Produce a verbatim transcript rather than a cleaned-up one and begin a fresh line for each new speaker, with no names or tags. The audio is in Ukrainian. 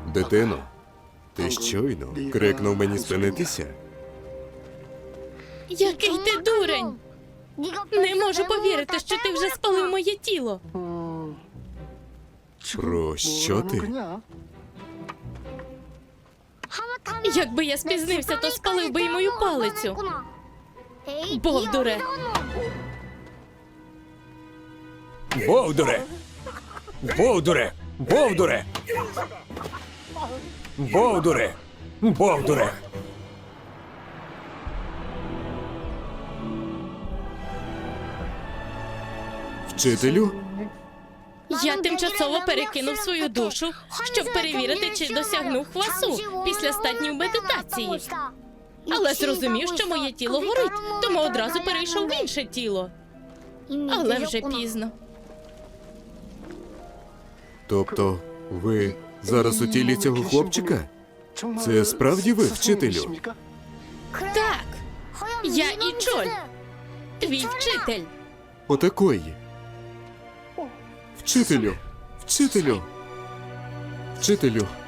Дитино, ти щойно крикнув мені спинитися?
Який ти дурень! Не можу повірити, що ти вже спалив моє тіло.
Про що ти?
Якби я спізнився, то спалив би й мою палицю. Бовдуре!
Бовдуре! Бовдуре! Бовдуре! Бовдуре! Бовдуре!
Вчителю?
Я тимчасово перекинув свою душу, щоб перевірити, чи досягнув хвасу після ста днів медитації. Але зрозумів, що моє тіло горить, тому одразу перейшов в інше тіло. Але вже пізно.
Тобто, ви зараз у тілі цього хлопчика? Це справді ви, вчителю?
Так, я Ічоль, твій вчитель.
Отакої. Вчителю! Вчителю! Вчителю!